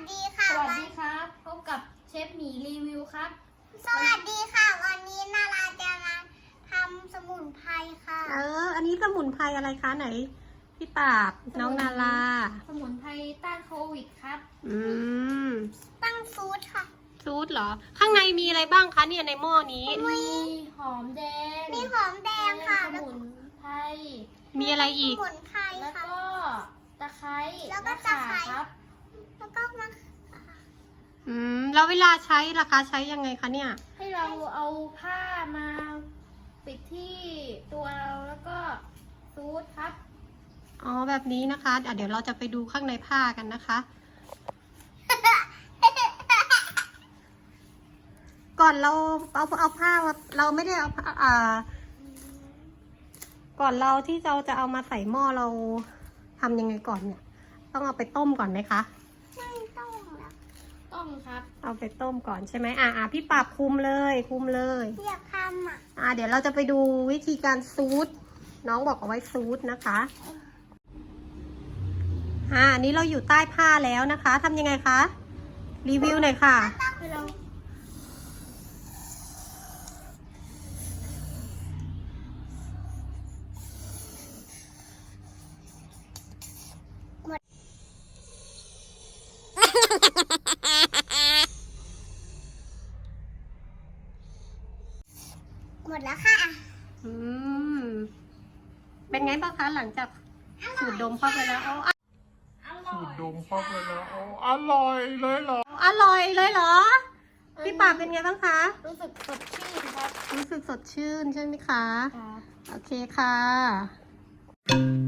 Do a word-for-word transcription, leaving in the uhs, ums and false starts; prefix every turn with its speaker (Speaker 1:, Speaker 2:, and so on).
Speaker 1: ดีค่ะ
Speaker 2: สวัสดีครับพบกับเชฟหมีรีวิวครับ
Speaker 1: สวัสดีค่ะ วันนี้นาราจะมาทำสมุนไพรค่ะ
Speaker 3: เออ อันนี้สมุนไพรอะไรคะไหน พี่ปราบน้องนารา
Speaker 2: สมุนไพรต้านโควิดครับ
Speaker 3: อืม
Speaker 1: ตั้งซูดค่ะ
Speaker 3: ซูดเหรอ ข้างในมีอะไรบ้างคะเนี่ยในหม้อนี้
Speaker 2: มีหอมแดง
Speaker 1: มีหอมแดงค่ะ
Speaker 2: ส
Speaker 1: แล้ว
Speaker 2: มุนไพร
Speaker 3: มีอะไรอีก
Speaker 1: สมุนไพร
Speaker 2: แล้ว
Speaker 1: ค่ะ
Speaker 2: ก็ตะไคร้
Speaker 1: แล้วก็
Speaker 2: ม
Speaker 1: ตะไคร้
Speaker 2: ข่าครับ
Speaker 1: แล้วก็มา
Speaker 3: อืม แล้วเวลาใช้ล่ะคะใช้ยังไงคะเนี่ย
Speaker 2: ให้เราเอาผ้ามาปิดที่ตัวเราแล้วก็ซูดครับ
Speaker 3: อ๋อ แบบนี้นะคะอ่ะเดี๋ยวเราจะไปดูข้างในผ้ากันนะคะ ก่อนเราเอาเอาผ้ามาเราไม่ได้เอาผ้าอ่า ก่อนเราที่เราจะเอามาใส่หม้อเราทำยังไงก่อนเนี่ย ต้องเอาไปต้มก่อนไหมคะ
Speaker 1: ไม่ต้องแล้ว
Speaker 2: ต้องครับ
Speaker 3: เอาไปต้มก่อนใช่ไหมอ่าอ่าพี่ปราบคุมเลยคุมเลย
Speaker 1: อยากทำอ่ะ
Speaker 3: อ่าเดี๋ยวเราจะไปดูวิธีการซูดน้องบอกเอาไว้ซูดนะคะอ่าอันนี้เราอยู่ใต้ผ้าแล้วนะคะทำยังไงคะรีวิวหน่อยค่ะ
Speaker 2: ให้เรา
Speaker 1: หมดแล้วค่ะ
Speaker 3: อืมเป็นไงบ้างคะหลังจากสูดดมเข้าไปแล้วเอาอ่ะ
Speaker 4: สูดดมเข้าไปแล้วโอ้อร่อยเลยเหรอ
Speaker 3: อร่อยเลยเหรอพี่ปราบเป็นไงบ้างคะ
Speaker 2: รู้สึกสดชื่นครับ
Speaker 3: รู้สึกสดชื่นใช่ไหมคะ
Speaker 2: ครับ
Speaker 3: โอเคค่ะ